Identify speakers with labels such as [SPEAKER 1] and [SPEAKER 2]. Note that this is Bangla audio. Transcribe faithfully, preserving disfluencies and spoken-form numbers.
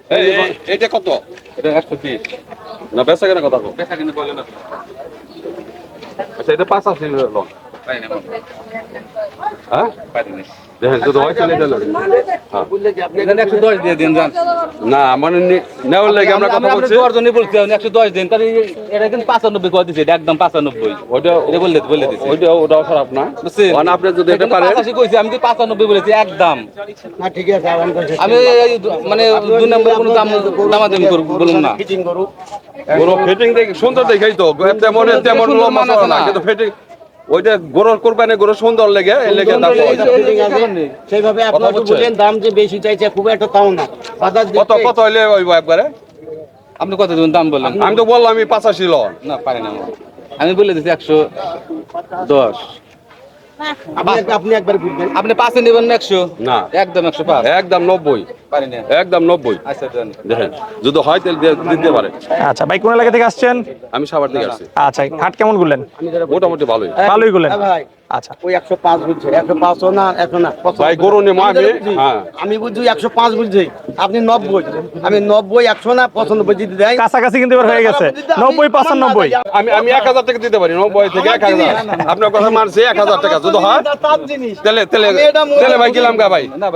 [SPEAKER 1] এটা কত?
[SPEAKER 2] এটা একশো বিশ।
[SPEAKER 1] না বেচা কেনা কথা কো।
[SPEAKER 2] বেচা কিন্তু বলে না।
[SPEAKER 1] আচ্ছা এটা পাঁচাশি লোন।
[SPEAKER 2] পাই না।
[SPEAKER 1] হ্যাঁ
[SPEAKER 2] পারি না।
[SPEAKER 1] দেখেন যদি হয় চলে গেল।
[SPEAKER 2] এখানে একশো দশ দিয়ে দিন যান।
[SPEAKER 1] না মানে নেওয়ার লাগে আমরা কথা বলছি।
[SPEAKER 2] দশ জনই বলছি একশো দশ দিন তাহলে এটা কিন্তু পাঁচানব্বই করে দিচ্ছে, এটা একদম পাঁচানব্বই।
[SPEAKER 1] ওইটা
[SPEAKER 2] এটা বললে বলে দিচ্ছে।
[SPEAKER 1] ওইটা ওটাও খারাপ না।
[SPEAKER 2] বুঝছেন?
[SPEAKER 1] মানে আপনি যদি এটা পারেন
[SPEAKER 2] পঁচাশি কইছি, আমি কি পাঁচানব্বই বলেছি একদম।
[SPEAKER 3] না ঠিক আছে আবার কইছে।
[SPEAKER 2] আমি এই মানে দুই নম্বর কোনো দাম দামাদামি করব বলুন না।
[SPEAKER 3] ফিটিং করু।
[SPEAKER 1] গরু ফিটিং দেখে সুন্দর দেখাই তো তেমন তেমন
[SPEAKER 2] সুন্দর
[SPEAKER 1] লম্বা
[SPEAKER 2] মান আছে
[SPEAKER 1] না
[SPEAKER 2] না।
[SPEAKER 1] কিন্তু ফিটিং ওইটা গরুর কোরবানি গরু সুন্দর লেগে এই লেগে দাম পাওয়া যায়।
[SPEAKER 3] ফিটিং আছে সেইভাবে আপনি
[SPEAKER 1] কথা
[SPEAKER 3] একটু
[SPEAKER 1] বলছে।
[SPEAKER 3] বলেন দাম যে বেশি চাইছে খুব একটা তাও না। বাজার
[SPEAKER 1] কত কত হইলে হইব একবারে?
[SPEAKER 2] আপনি কত দিন দাম বললেন?
[SPEAKER 1] আমি তো বললাম আমি পঁচাশি লন।
[SPEAKER 2] না পারি না। আমি বলে দিচ্ছি একশো দশ।
[SPEAKER 3] আপনি আপনি একবার বুঝবেন।
[SPEAKER 2] আপনি পাঁচে নেবেন না একশো?
[SPEAKER 1] না
[SPEAKER 2] একদম একশো পাঁচ।
[SPEAKER 1] একদম নব্বই।
[SPEAKER 2] পারি না।
[SPEAKER 1] একদম নব্বই।
[SPEAKER 2] আচ্ছা দেন।
[SPEAKER 1] দেখেন যদি হয় তাহলে দিয়ে- দিতে পারে।
[SPEAKER 4] আচ্ছা ভাই কোন এলাকা থেকে আসছেন?
[SPEAKER 1] আমি সাবার দিকে আসছি
[SPEAKER 4] আচ্ছা হাট কেমন করলেন?
[SPEAKER 1] মোটামুটি ভালোই।
[SPEAKER 4] ভালোই করলেন।
[SPEAKER 3] হ্যাঁ ভাই
[SPEAKER 4] আচ্ছা
[SPEAKER 3] ওই একশো পাঁচ বুঝছে একশো পাঁচ ও না একশো না
[SPEAKER 1] ভাই গরু নিয়ে
[SPEAKER 3] আমি
[SPEAKER 1] আমি
[SPEAKER 3] যেটা বুঝি,
[SPEAKER 1] হ্যাঁ
[SPEAKER 3] আমি বুঝছি একশো পাঁচ বুঝছি আপনি নব্বই আমি নব্বই একশো না পঁচানব্বই যদি দেয়
[SPEAKER 4] কাছাকাছি কিন্তু এবার হয়ে গেছে নব্বই পঁচানব্বই।
[SPEAKER 1] আমি আমি এক হাজার টাকা দিতে পারি নব্বই থেকে এক হাজার। আপনার কথা মানছি এক হাজার টাকা যদি হয়
[SPEAKER 3] তার জিনিস
[SPEAKER 1] তাহলে তাহলে
[SPEAKER 3] আমি এটা মনে
[SPEAKER 1] তাহলে ভাই
[SPEAKER 3] করি।
[SPEAKER 1] গেলাম গা ভাই।